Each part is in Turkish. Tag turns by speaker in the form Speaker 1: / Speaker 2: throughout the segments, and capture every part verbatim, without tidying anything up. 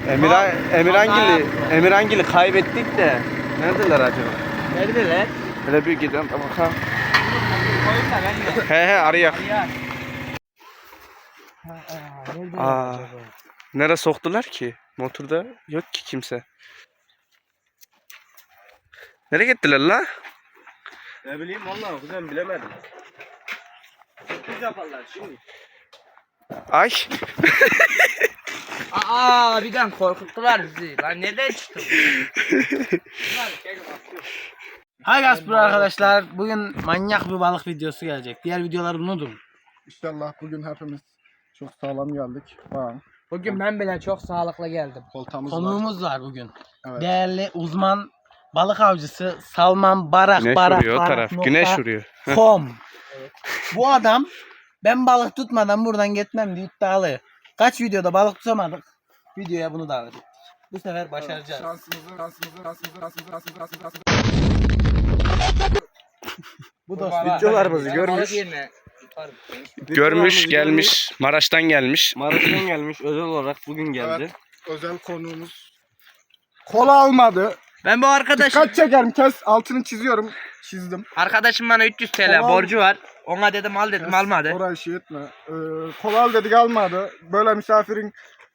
Speaker 1: Emirhan, Emirhangil'i, Emirhangil'i kaybettik de. Neredeler acaba?
Speaker 2: Neredeler?
Speaker 1: Hele bir gidelim bakalım.
Speaker 2: Koyun da ben de.
Speaker 1: He he arayak.
Speaker 2: Arayar.
Speaker 1: Aa, nereye soktular ki? Motorda yok ki kimse. Nereye gittiler la?
Speaker 3: Ne bileyim vallahi kuzen bilemedim. Sürpriz yaparlar şimdi.
Speaker 1: Ay.
Speaker 2: Aa birden korkuttular bizi. Lan nereden çıktı bu? Hay Gaspro arkadaşlar. Bugün manyak bir balık videosu gelecek. Diğer videoları unutun.
Speaker 4: İnşallah bugün hepimiz çok sağlam geldik. Bak,
Speaker 2: Bugün ben bile çok sağlıklı geldim.
Speaker 4: koltamız var.
Speaker 2: Konuğumuz var bugün.
Speaker 4: Evet.
Speaker 2: Değerli uzman balık avcısı Salman Barak
Speaker 1: Güneş
Speaker 2: Barak
Speaker 1: vuruyor o
Speaker 2: Barak
Speaker 1: taraf.
Speaker 2: nokta
Speaker 1: Güneş vuruyor.
Speaker 2: com. Bu adam ben balık tutmadan buradan gitmem diye iddialı. Kaç videoda balık tutamadık. Videoya bunu davet ettik. Bu sefer başaracağız.
Speaker 4: Şansımızı, şansımızı, şansımızı, şansımızı, şansımızı, şansımızı, şansımızı.
Speaker 2: Bu dostlar.
Speaker 3: Videolarımızı görmüş.
Speaker 1: Görmüş gelmiş. Maraş'tan gelmiş.
Speaker 3: Maraş'tan gelmiş özel olarak bugün geldi.
Speaker 4: Evet, özel konuğumuz. Kola almadı.
Speaker 2: Ben bu arkadaşım
Speaker 4: Kaç çekerim kes, altını çiziyorum. Çizdim.
Speaker 2: arkadaşım bana üç yüz T L
Speaker 4: Tamam.
Speaker 2: borcu var. Ona dedim al dedim
Speaker 4: Kes,
Speaker 2: almadı.
Speaker 4: Orayı şey etme. Ee, kola al dedik almadı. Böyle misafirin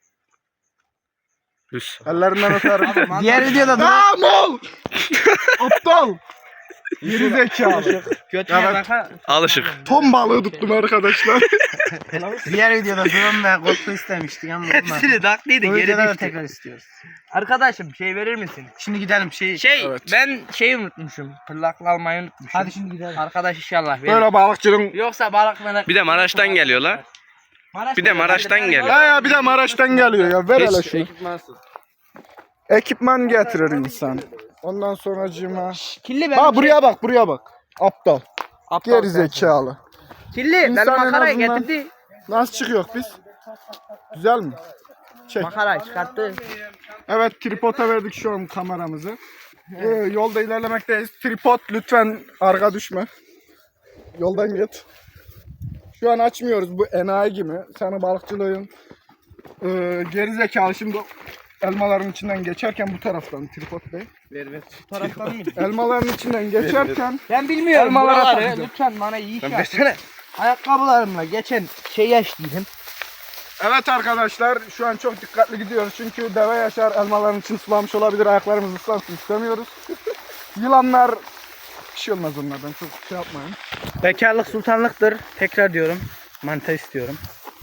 Speaker 1: Üs.
Speaker 4: ellerinden öperim.
Speaker 2: Diğer videoda da
Speaker 4: Aa mol! Aptal! Geri zekalı.
Speaker 2: götüne
Speaker 4: Evet.
Speaker 2: baka.
Speaker 1: Alışık.
Speaker 4: Ton balığı tuttum arkadaşlar.
Speaker 2: Diğer videoda drone ve GoPro istemiştik ama hepsini taklıydı
Speaker 4: Bu
Speaker 2: geri
Speaker 4: videoda da
Speaker 2: düştü.
Speaker 4: tekrar istiyoruz.
Speaker 2: Arkadaşım şey verir misin? Şimdi gidelim şey. Şey
Speaker 4: Evet.
Speaker 2: ben şeyi unutmuşum. Pırlakla almayı unutmuşum.
Speaker 4: Hadi şimdi gidelim.
Speaker 2: Arkadaş inşallah verir.
Speaker 4: Böyle balıkçının...
Speaker 2: Yoksa balık merak.
Speaker 1: Bir de Maraş'tan geliyor la.
Speaker 2: Maraş
Speaker 1: Bir de Maraş'tan geliyor.
Speaker 4: Ha ya bir de Maraş'tan geliyor ya. Ver hele
Speaker 1: Hiç
Speaker 4: şunu.
Speaker 3: Ekipmansız.
Speaker 4: Ekipman getirir insan. Ondan sonra cima.
Speaker 2: Kirli ben.
Speaker 4: Ha buraya bak buraya bak. Aptal.
Speaker 2: Aptal
Speaker 4: Geri
Speaker 2: sensin.
Speaker 4: zekalı.
Speaker 2: Kirli ben
Speaker 4: İnsan en
Speaker 2: makarayı
Speaker 4: azından-
Speaker 2: getirdi.
Speaker 4: Nasıl çıkıyor biz? Güzel mi? Çek.
Speaker 2: Makarayı çıkarttı.
Speaker 4: Evet tripoda verdik şu an kameramızı. Ee, yolda ilerlemekteyiz. Tripod lütfen arka düşme. Yoldan git. Şu an açmıyoruz bu enayi gibi. Sana balıkçılığın e, geri zekalı şimdi elmaların içinden geçerken bu taraftan tripod bey.
Speaker 3: Ver ver.
Speaker 2: Taraftan mıydı?
Speaker 4: Elmaların içinden geçerken
Speaker 2: Ben bilmiyorum
Speaker 4: Elmalara
Speaker 2: buraları.
Speaker 4: takacağım.
Speaker 2: Lütfen bana iyi iş
Speaker 1: Ben
Speaker 2: yap.
Speaker 1: versene.
Speaker 2: Ayakkabılarımla geçen şey yaşlıydım.
Speaker 4: evet arkadaşlar şu an çok dikkatli gidiyoruz çünkü deve yaşar elmaların için sulamış olabilir, ayaklarımız ıslansın istemiyoruz. Yılanlar bir şey olmaz onlardan, çok şey yapmayın.
Speaker 2: Bekarlık sultanlıktır. Tekrar diyorum. Manta istiyorum.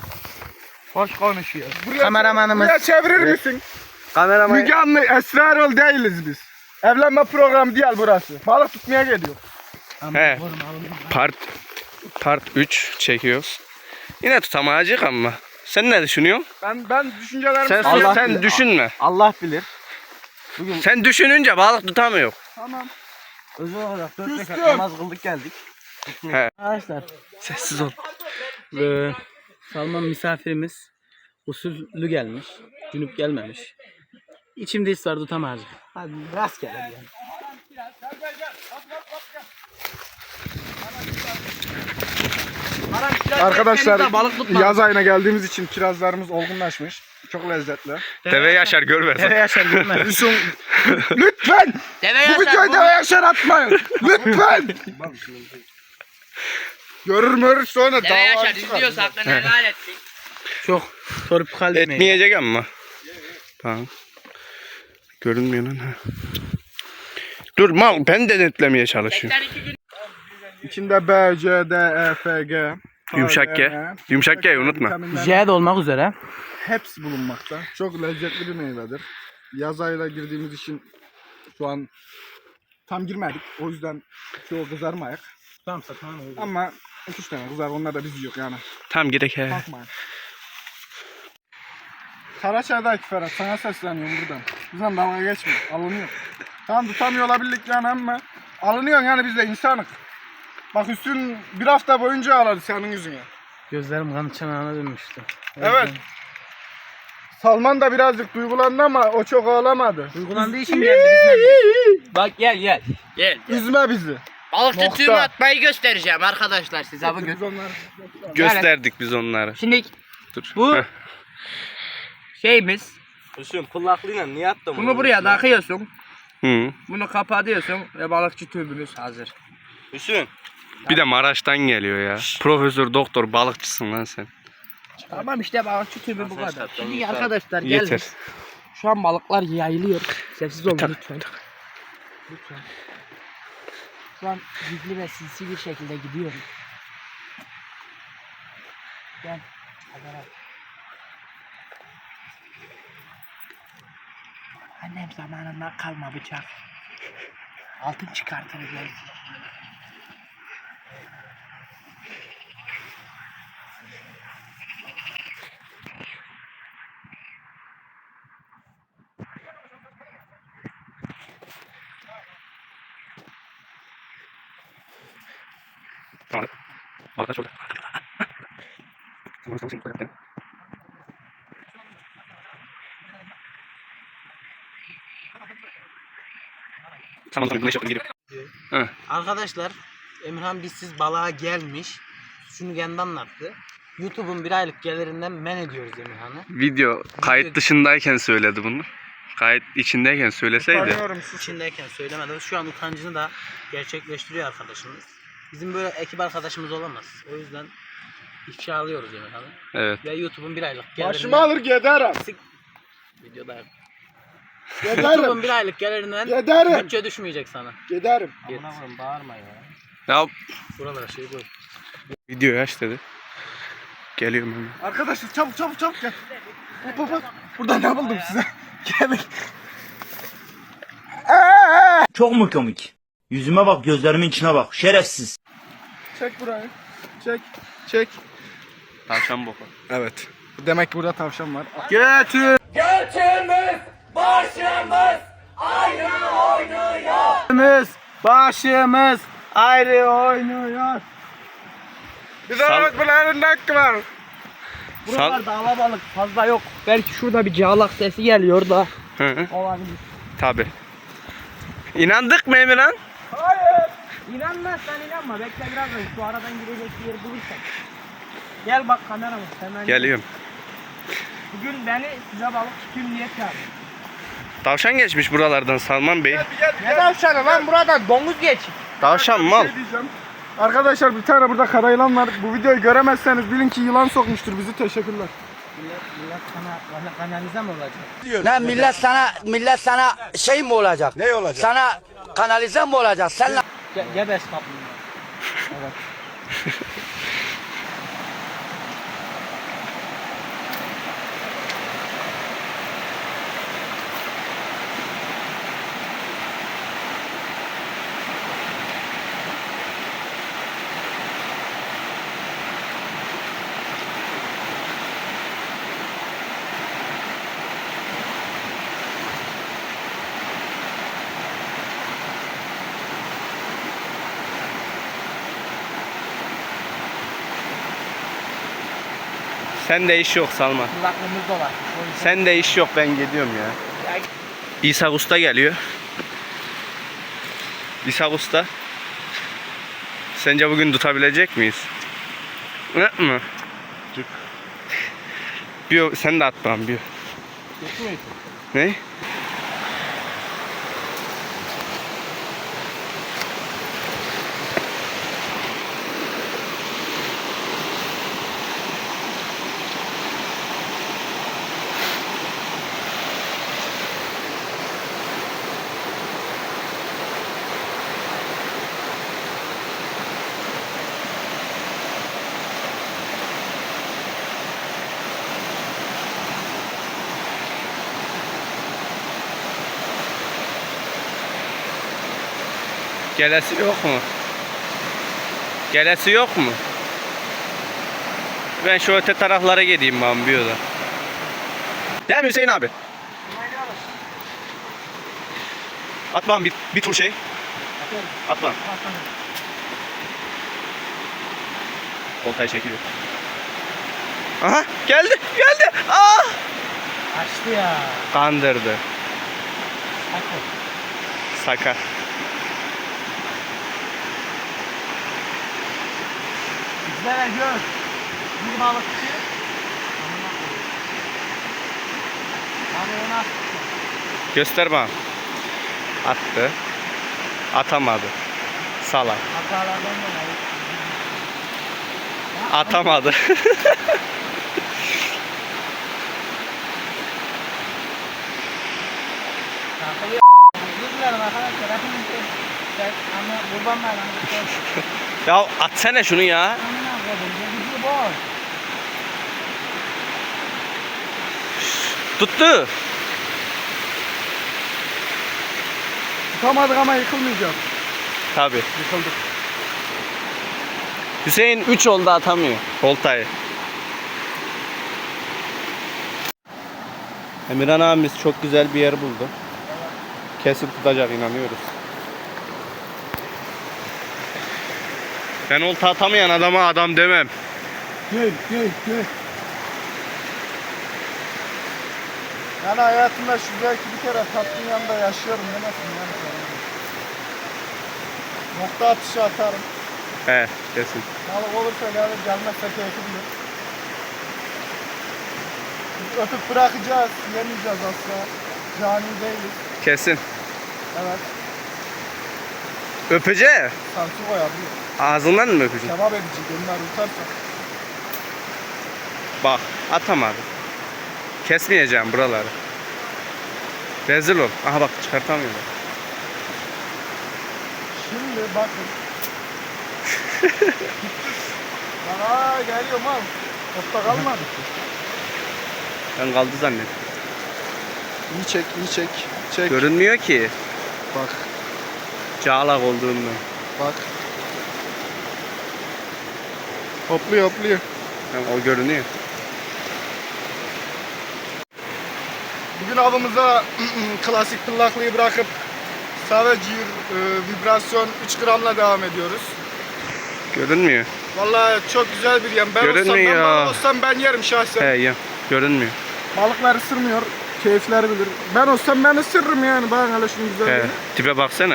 Speaker 2: Hoş konuşuyor.
Speaker 4: Buraya,
Speaker 2: Kameramanımız.
Speaker 4: buraya çevirir misin?
Speaker 1: Kameraman.
Speaker 4: Müge Anlı, Esra Erol değiliz biz. Evlenme programı değil burası. Balık tutmaya geliyor.
Speaker 1: He. Part Part üç çekiyoruz. Yine tutamayacak ama. Sen ne düşünüyorsun?
Speaker 4: Ben ben düşüncelerimi
Speaker 1: Sen
Speaker 4: sana-
Speaker 3: Allah
Speaker 1: sen
Speaker 3: bilir.
Speaker 1: düşünme.
Speaker 3: Allah bilir.
Speaker 1: Sen düşününce balık tutamıyor.
Speaker 4: Tamam.
Speaker 3: Özel olarak dört rekat
Speaker 4: Küstüm.
Speaker 3: namaz kıldık geldik.
Speaker 1: He.
Speaker 2: Arkadaşlar.
Speaker 1: Sessiz ol.
Speaker 2: Ee, Salman misafirimiz usullü gelmiş. Cünüp gelmemiş. İçimde his var tutamaz. Hadi rastgele yani.
Speaker 4: Arkadaşlar
Speaker 2: balık tutma.
Speaker 4: yaz ayına geldiğimiz için kirazlarımız olgunlaşmış. Çok lezzetli.
Speaker 1: Deve yaşar gör
Speaker 2: Deve
Speaker 1: versin.
Speaker 2: yaşar görmez.
Speaker 4: Lütfen! Lütfen!
Speaker 2: Deve
Speaker 4: Bu videoyu deve yaşar atmayın! Lütfen! Görür mürür sonra
Speaker 2: Deve
Speaker 4: dava
Speaker 2: yaşar
Speaker 4: çıkar.
Speaker 2: izliyorsa hakkını helal ettik. Çok sorup kalbime.
Speaker 1: Etmeyecek ama. Tamam. Görünmüyor lan. ha. Dur mal ben de netlemeye çalışıyorum.
Speaker 4: İçinde B, C, D, E, F, G.
Speaker 1: Yumuşak G.
Speaker 4: K,
Speaker 1: Yumuşak G unutma.
Speaker 4: vitaminler
Speaker 2: J de olmak üzere.
Speaker 4: hepsi bulunmakta. Çok lezzetli bir meyvedir. Yaz ayına girdiğimiz için şu an tam girmedik. O yüzden çoğu kızarmayak.
Speaker 2: Tamam tamam.
Speaker 4: Ama iki üç tane kızar. Onlar da biz yok yani.
Speaker 1: Tam gerek he.
Speaker 4: Bakmayın. Karaçay'daki Ferhat sana sesleniyorum buradan. Bizden dalga geçme. Alınıyor. Tamam tutamıyor olabildik yani ama alınıyor yani biz de insanık. Bak üstün bir hafta boyunca ağladı senin yüzüne.
Speaker 2: Gözlerim kan çanağına dönmüştü. O
Speaker 4: Evet.
Speaker 2: yüzden-
Speaker 4: Salman da birazcık duygulandı ama o çok ağlamadı.
Speaker 2: Duygulandığı için geldi bizden. Bak gel gel. Gel.
Speaker 4: Üzme bizi.
Speaker 2: Balıkçı
Speaker 4: Nokta.
Speaker 2: tüyümü atmayı göstereceğim arkadaşlar size bugün.
Speaker 4: Biz onlar...
Speaker 1: Gösterdik biz onları.
Speaker 2: Şimdi
Speaker 1: Dur.
Speaker 2: Bu-
Speaker 1: Heh.
Speaker 2: şeyimiz
Speaker 3: Hüsnü pıllaklıyla niye attın
Speaker 2: Bunu buraya takıyorsun.
Speaker 1: Hı.
Speaker 2: Bunu kapatıyorsun ve balıkçı tübümüz hazır.
Speaker 3: Hüsnü.
Speaker 1: Bir de Maraş'tan geliyor ya. Profesör doktor balıkçısın lan sen.
Speaker 2: Tamam işte balıkçı tübü bu
Speaker 3: Sen
Speaker 2: kadar.
Speaker 3: sattın,
Speaker 2: Şimdi
Speaker 3: yeter.
Speaker 2: arkadaşlar
Speaker 1: Yeter.
Speaker 2: geldik. Şu an balıklar yayılıyor. Sessiz olun lütfen. Lütfen. Şu an gizli ve sinsi bir şekilde gidiyorum. Gel. Haber al. Annem zamanından kalma bıçak. Altın çıkartırız belki.
Speaker 1: Tamam. Arkadaş orada. Tamam tamam güneş yaptım geliyorum. Hı.
Speaker 2: Arkadaşlar Emirhan bizsiz balığa gelmiş. Şunu kendi anlattı. YouTube'un bir aylık gelirinden men ediyoruz Emirhan'ı.
Speaker 1: Video kayıt dışındayken söyledi bunu. Kayıt içindeyken söyleseydi.
Speaker 4: Tanıyorum sizi.
Speaker 2: İçindeyken söylemedi. Şu an utancını da gerçekleştiriyor arkadaşımız. Bizim böyle ekip arkadaşımız olamaz. O yüzden ifşa alıyoruz Emirhan'ı.
Speaker 1: Evet.
Speaker 2: Ve YouTube'un bir aylık gelirinden...
Speaker 4: Başımı alır giderim.
Speaker 2: Videoda yap.
Speaker 4: Giderim.
Speaker 2: YouTube'un bir aylık gelirinden
Speaker 4: Giderim.
Speaker 2: bütçe düşmeyecek sana.
Speaker 4: Giderim.
Speaker 2: Git.
Speaker 3: Bağırma ya.
Speaker 1: Ya
Speaker 2: Buralara şey koy.
Speaker 1: videoyu aç dedi. Geliyorum hemen.
Speaker 4: Arkadaşlar çabuk çabuk çabuk gel. Hop hop hop. Burada ne buldum size? Gelin.
Speaker 5: Çok mu komik? Yüzüme bak, gözlerimin içine bak. Şerefsiz.
Speaker 4: Çek burayı. Çek. Çek.
Speaker 1: Tavşan boku.
Speaker 4: Evet. Demek ki burada tavşan var.
Speaker 1: Götür.
Speaker 2: Başımız ayrı oynuyor.
Speaker 4: Bize bak bunların hakkı var.
Speaker 2: Buralarda alabalık fazla yok. Belki şurada bir cağlak sesi geliyor da
Speaker 1: Hı hı.
Speaker 2: olabilir.
Speaker 1: Tabi. İnandık mı Emirhan?
Speaker 2: İnanmazsan inanma. Bekle birazdan şu aradan girecek bir yer bulursak. Gel bak kameramız hemen.
Speaker 1: Geliyorum.
Speaker 2: Bugün beni size balık tutayım diye çağırdı.
Speaker 1: Tavşan geçmiş buralardan Salman Bey.
Speaker 2: Ne tavşanı lan buradan domuz geç.
Speaker 1: Tavşan
Speaker 4: Bir
Speaker 1: mal.
Speaker 4: şey diyeceğim. Arkadaşlar bir tane burada kara yılan var. Bu videoyu göremezseniz bilin ki yılan sokmuştur bizi. Teşekkürler.
Speaker 2: Millet, millet kana, kana, kanalize mi olacak?
Speaker 6: Ne millet sana millet sana şey mi olacak? Ne olacak? Sana kanalize mi olacak? Sen
Speaker 2: Ge gebes kaplumbağa. Evet.
Speaker 1: Sende iş yok Salman.
Speaker 2: Kulaklığımız dolaşmış. O yüzden
Speaker 1: Sende iş yok ben gidiyorum ya.
Speaker 2: Ya-
Speaker 1: İsa Usta geliyor. İsa Usta. Sence bugün tutabilecek miyiz? Ne mi? Bir sen de at bana bir. Ne? Gelesi yok mu? Gelesi yok mu? Ben şu öte taraflara gideyim ben bir yola. Değil mi Hüseyin abi? At bana bir, bir tur şey. At bana. Koltayı çekiliyor. Aha geldi geldi. Aa!
Speaker 2: Açtı ya.
Speaker 1: Kandırdı.
Speaker 2: Haklı.
Speaker 1: Saka.
Speaker 2: Bizlere gör. Bir balıkçı. Balığını
Speaker 1: Göster bana. Attı. Atamadı. Salak.
Speaker 2: Hatalardan dolayı.
Speaker 1: Atamadı.
Speaker 2: Takılıyor. Özür dilerim arkadaşlar. Hepiniz de ama kurban bayramı.
Speaker 1: Ya atsana şunu ya.
Speaker 2: Amına koydum. Gözü boş.
Speaker 1: Tuttu.
Speaker 4: Tutamadık ama yıkılmayacağız.
Speaker 1: Tabii.
Speaker 4: Yıkıldık.
Speaker 1: Hüseyin üç oldu atamıyor. Oltayı. Emirhan abimiz çok güzel bir yer buldu. Kesin tutacak inanıyoruz. Ben olta atamayan adama adam demem.
Speaker 4: Gel gel gel. Yani hayatımda şu belki bir kere tatlının yanında yaşıyorum demesin yani. Nokta atışı atarım.
Speaker 1: He kesin.
Speaker 4: Balık olursa yani gelmezse keyfi bilir. Biz öpüp bırakacağız, yemeyeceğiz asla. Cani değiliz.
Speaker 1: Kesin.
Speaker 4: Evet.
Speaker 1: Öpece.
Speaker 4: Sanki koyabiliyor.
Speaker 1: Ağzından mı öpeceksin?
Speaker 4: Kebap edici, onlar yutarsa.
Speaker 1: Bak atamadı. Kesmeyeceğim buraları. Rezil ol. Aha bak çıkartamıyorum.
Speaker 4: Şimdi bakın. Aa geliyor mal. Topta kalmadı.
Speaker 1: Ben kaldı zannettim.
Speaker 4: İyi çek, iyi çek. Çek.
Speaker 1: Görünmüyor ki.
Speaker 4: Bak,
Speaker 1: Cağlak olduğundan.
Speaker 4: bak. Hopluyor, hopluyor.
Speaker 1: Yani o görünüyor.
Speaker 4: Bugün avımıza klasik pıllaklıyı bırakıp Savage e, vibrasyon üç gramla devam ediyoruz.
Speaker 1: Görünmüyor.
Speaker 4: Vallahi çok güzel bir yem. Ben olsam, ben
Speaker 1: Görünmüyor.
Speaker 4: balık olsam ben yerim şahsen.
Speaker 1: He ya. Görünmüyor.
Speaker 4: Balıklar ısırmıyor. Keyifler bilir. Ben olsam ben ısırırım yani. Bakın hele şunun
Speaker 1: He.
Speaker 4: güzelliğine.
Speaker 1: Tipe baksana.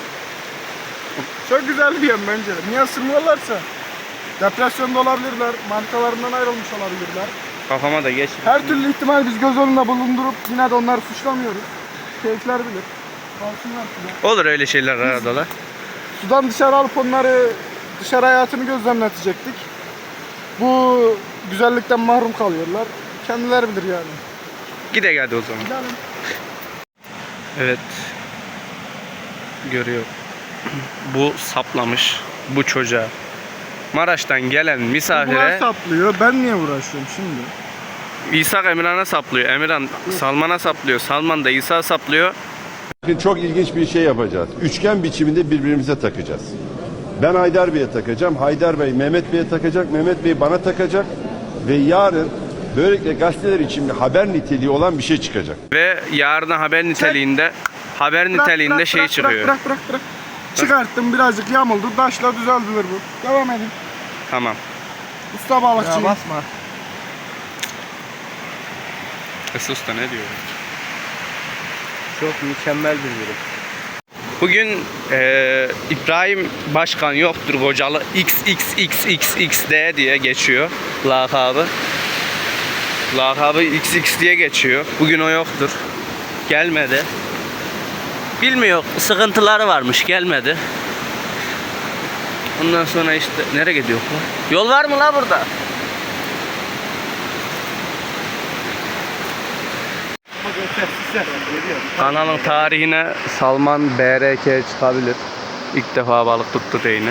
Speaker 4: Çok güzel bir yem bence. Niye ısırmıyorlarsa? Depresyonda olabilirler. Manitalarından ayrılmış olabilirler.
Speaker 1: Kafama da geç.
Speaker 4: Her türlü ihtimal biz göz önünde bulundurup yine de onları suçlamıyoruz. Keyifler bilir. Kalsınlar suda.
Speaker 1: Olur öyle şeyler arada da.
Speaker 4: Sudan dışarı alıp onları dışarı hayatını gözlemletecektik. Bu güzellikten mahrum kalıyorlar. Kendileri bilir yani.
Speaker 1: Gide geldi o zaman.
Speaker 4: Gidelim.
Speaker 1: Evet. Görüyor. Bu saplamış bu çocuğa. Maraş'tan gelen
Speaker 4: Bunlar
Speaker 1: misafire
Speaker 4: saplıyor. Ben niye uğraşıyorum şimdi?
Speaker 1: İsa Emirhan'a saplıyor. Emirhan Salman'a saplıyor. Salman da İsa saplıyor.
Speaker 7: Bakın çok ilginç bir şey yapacağız. Üçgen biçiminde birbirimize takacağız. Ben Haydar Bey'e takacağım. Haydar Bey Mehmet Bey'e takacak. Mehmet Bey bana takacak. Ve yarın böylelikle gazeteler için haber niteliği olan bir şey çıkacak.
Speaker 1: Ve yarına haber niteliğinde haber
Speaker 4: Bırak,
Speaker 1: niteliğinde
Speaker 4: bırak,
Speaker 1: şey
Speaker 4: bırak,
Speaker 1: çıkıyor.
Speaker 4: Bırak bırak bırak. Çıkarttım birazcık yamuldu. Daşla düzeldilir bu. Devam edin.
Speaker 1: Tamam.
Speaker 4: Usta balıkçıyım.
Speaker 2: Ya basma.
Speaker 1: Esus da ne diyor?
Speaker 3: Çok mükemmel bir durum.
Speaker 1: Bugün eee, İbrahim Başkan yoktur Kocalı X X X X X D diye geçiyor lakabı. Lakabı X X diye geçiyor. Bugün o yoktur. Gelmedi. Bilmiyor. Sıkıntıları varmış. Gelmedi. Ondan sonra işte nereye gidiyor bu? Yol var mı la burada? Kanalın tarihine Salman B R K çıkabilir. İlk defa balık tuttu reyni.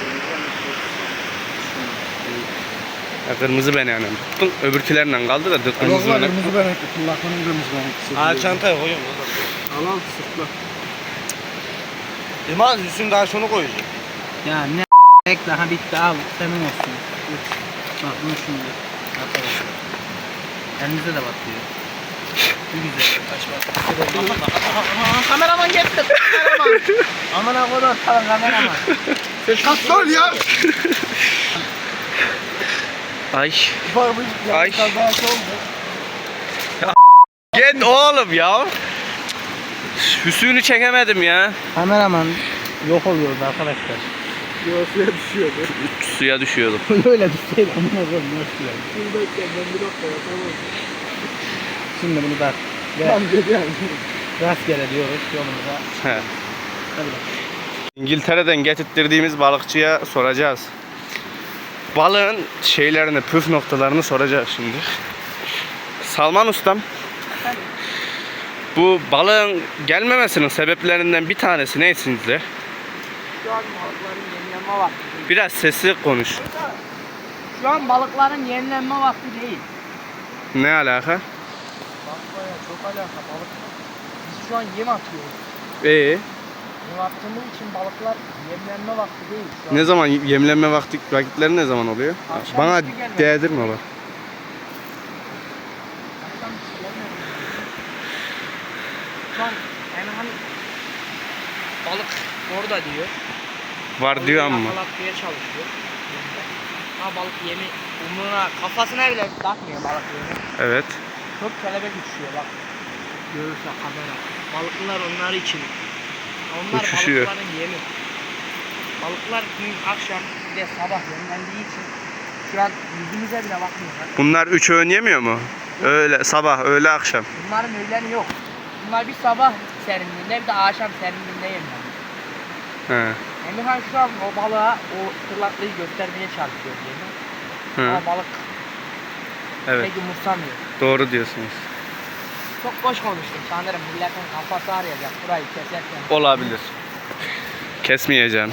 Speaker 1: Ya kırmızı ben yani tuttum. Öbürkülerinden kaldı da kırmızı
Speaker 4: Kırmızı
Speaker 1: ben.
Speaker 4: kırmızı benekli. Kullaklarını kırmızı benekli.
Speaker 3: Aa çantaya koyuyorum.
Speaker 4: Al al sırtla.
Speaker 3: İmaz üstüne daha şunu koyacağım.
Speaker 2: Ya ne bekle ha bitti al senin olsun. Üç. Bak bunu şimdi. Arkadaşlar. Elinize de batıyor. Bu güzel. Kaç bak. Kameraman gitti. Kameraman. Aman ha kodum tamam kameraman.
Speaker 4: Sol ya.
Speaker 1: Ay.
Speaker 4: Bak bu
Speaker 1: Ay.
Speaker 4: kazası oldu.
Speaker 1: Git oğlum ya. Hüsnü'nü çekemedim ya.
Speaker 2: Kameraman yok oluyordu arkadaşlar.
Speaker 4: Göğsüye düşüyordu.
Speaker 1: Suya düşüyordum.
Speaker 2: Öyle düşseydi amına koyayım nasıl yani.
Speaker 4: Dur bekle ben bir dakika ya tamam.
Speaker 2: Şimdi bunu da Ve
Speaker 4: Tam dedi yani.
Speaker 2: rastgele diyoruz yolumuza.
Speaker 1: He.
Speaker 2: Hadi.
Speaker 1: İngiltere'den getirttirdiğimiz balıkçıya soracağız. Balığın şeylerini, püf noktalarını soracağız şimdi. Salman ustam, bu balığın gelmemesinin sebeplerinden bir tanesi ne sizce?
Speaker 2: Şu an balıkların yenilenme vakti.
Speaker 1: Biraz sesli konuş.
Speaker 2: Şu an balıkların yenilenme vakti değil.
Speaker 1: Ne alaka?
Speaker 2: Balıklara çok alaka balık. Biz şu an yem atıyoruz.
Speaker 1: Ee,
Speaker 2: Yem attığımız için balıklar yemlenme vakti değil şu an.
Speaker 1: ne zaman yemlenme vakti vakitleri ne zaman oluyor?
Speaker 2: Akşam
Speaker 1: Bana
Speaker 2: üstü gelmedi.
Speaker 1: değdirme bak.
Speaker 2: Akşam hiç gelmedi. Şu an yani hani balık orada diyor.
Speaker 1: Var diyor ama.
Speaker 2: Yakalatmaya çalışıyor. Ha balık yemi umruna kafasına bile takmıyor balık yemi.
Speaker 1: Evet.
Speaker 2: Çok kelebek uçuyor bak. Görürse kamera. Balıklar onlar için. Onlar
Speaker 1: Uçuşuyor.
Speaker 2: balıkların yemi. Balıklar gün akşam bir de sabah yemlendiği için şu an yüzümüze bile bakmıyorlar.
Speaker 1: Bunlar üç öğün yemiyor mu? Öğle, sabah, öğle, akşam.
Speaker 2: Bunların öğleni yok. Bunlar bir sabah serinliğinde bir de akşam serinliğinde yemlenir.
Speaker 1: He.
Speaker 2: Emirhan şu an o balığa o tırnaklıyı göstermeye çalışıyor diyelim.
Speaker 1: Hı.
Speaker 2: Ama balık
Speaker 1: Evet.
Speaker 2: pek umursamıyor.
Speaker 1: Doğru diyorsunuz.
Speaker 2: Çok boş konuştum sanırım milletin kafası arayacak burayı keserken.
Speaker 1: Olabilir. Kesmeyeceğim.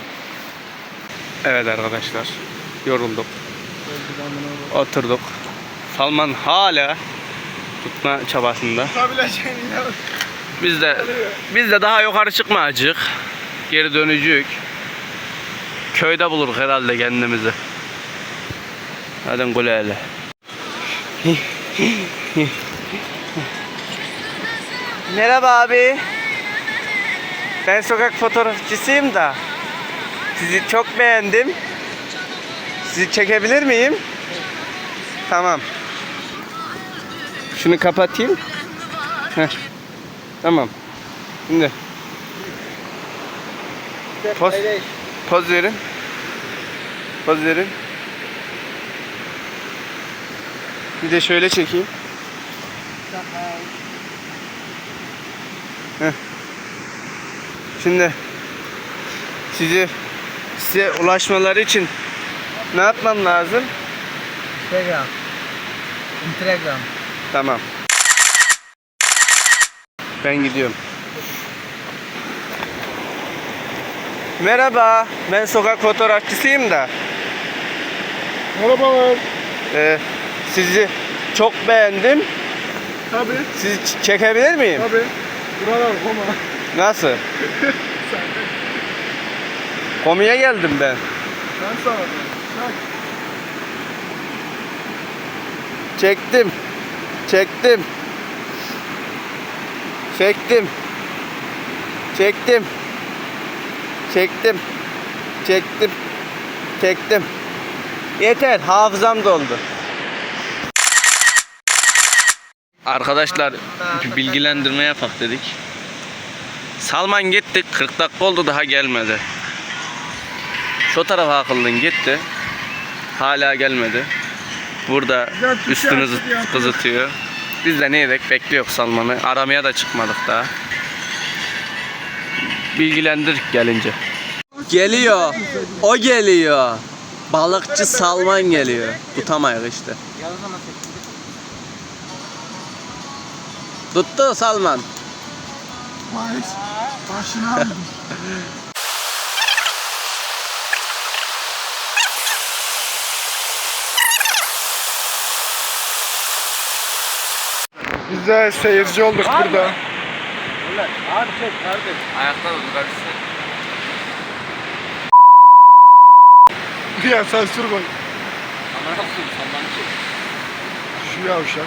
Speaker 1: Evet arkadaşlar. Yorulduk. Oturduk. Salman hala tutma çabasında.
Speaker 4: Tutabileceğini ya.
Speaker 1: Biz de biz de daha yukarı çıkmayacak. Geri dönecek. Köyde buluruz herhalde kendimizi. Hadi güle hele. Merhaba abi. Ben sokak fotoğrafçısıyım da sizi çok beğendim. Sizi çekebilir miyim? Tamam. Şunu kapatayım. Heh. Tamam. Şimdi poz, poz verin. Poz verin. Bir de şöyle çekeyim. Heh. Şimdi sizi size ulaşmaları için ne yapmam lazım?
Speaker 2: Instagram. Instagram.
Speaker 1: Tamam. Ben gidiyorum. Merhaba, ben sokak fotoğrafçısıyım da
Speaker 4: Merhabalar.
Speaker 1: e, sizi çok beğendim.
Speaker 4: Tabii.
Speaker 1: Sizi ç- çekebilir miyim?
Speaker 4: Tabii. Buralar koma.
Speaker 1: Nasıl? Komiye geldim ben.
Speaker 4: Ben sana diyorum. Bak.
Speaker 1: Çektim. Çektim. Çektim. Çektim. Çektim. Çektim. Çektim. Yeter, hafızam doldu. Arkadaşlar bir bilgilendirme yapak dedik. Salman gitti, kırk dakika oldu daha gelmedi. Şu tarafa akıllın gitti. Hala gelmedi. Burada üstünü zıt- kızıtıyor. Biz de ne edek bekliyoruz Salman'ı. Aramaya da çıkmadık daha. Bilgilendir gelince. Geliyor. O geliyor. Balıkçı Salman geliyor. Tutamayız işte. Tuttu Salman.
Speaker 4: Vay. Başına aldım. Biz de seyirci olduk burada.
Speaker 3: Abi çek kardeş.
Speaker 1: Ayakta da durarsın.
Speaker 4: Bir ya sansür koy.
Speaker 1: Ama nasıl Salman çek?
Speaker 4: Şu yavşak.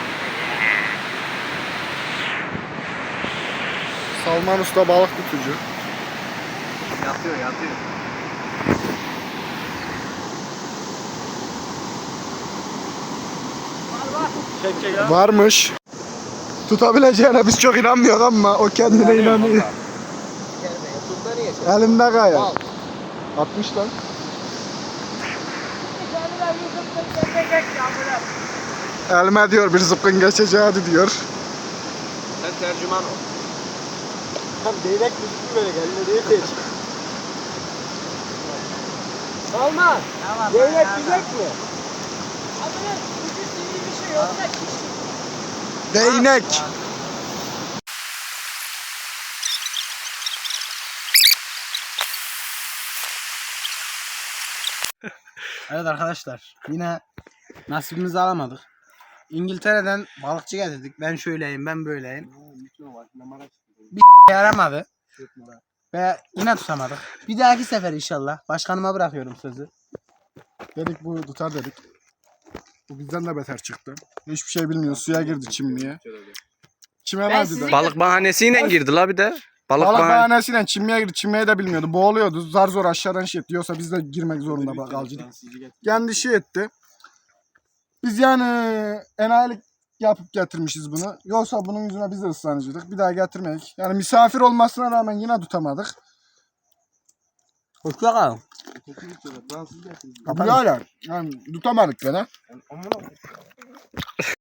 Speaker 4: Salman Usta balık tutucu.
Speaker 1: Yatıyor yatıyor.
Speaker 3: Çek çek ya.
Speaker 4: Varmış. Tutabileceğine biz çok inanmıyoruz ama o kendine inanıyor. Elimde gayet. atmış lan. Elime diyor bir zıpkın geçeceği diyor.
Speaker 1: tercüman ol.
Speaker 3: Tam değnek müzik böyle geldi diye geç. Salman.
Speaker 2: Tamam.
Speaker 3: Değnek güzel mi?
Speaker 4: Değnek.
Speaker 2: Evet arkadaşlar, yine nasibimizi alamadık. İngiltere'den balıkçı getirdik. Ben şöyleyim, ben böyleyim. Bir yaramadı. Ve yine tutamadık. Bir dahaki sefer inşallah. Başkanıma bırakıyorum sözü.
Speaker 4: Dedik bu tutar dedik. Bu bizden de beter çıktı. Hiçbir şey bilmiyor. Suya girdi çimmiye. Çime
Speaker 2: Ben
Speaker 4: verdi
Speaker 2: sizi-
Speaker 4: de.
Speaker 1: Balık bahanesiyle girdi la bir de. Balık,
Speaker 4: Balık
Speaker 1: bahane-
Speaker 4: bahanesiyle çimmiye girdi. Çimmeyi de bilmiyordu. Boğuluyordu. Zar zor aşağıdan şey etti. Yoksa biz de girmek zorunda kalacaktık. Kendi şey etti. Biz yani enayilik yapıp getirmişiz bunu. Yoksa bunun yüzüne biz de ıslanıcıydık. Bir daha getirmeyik. Yani misafir olmasına rağmen yine tutamadık.
Speaker 2: Hoşça kalın.
Speaker 4: Böyle yani tutamadık gene.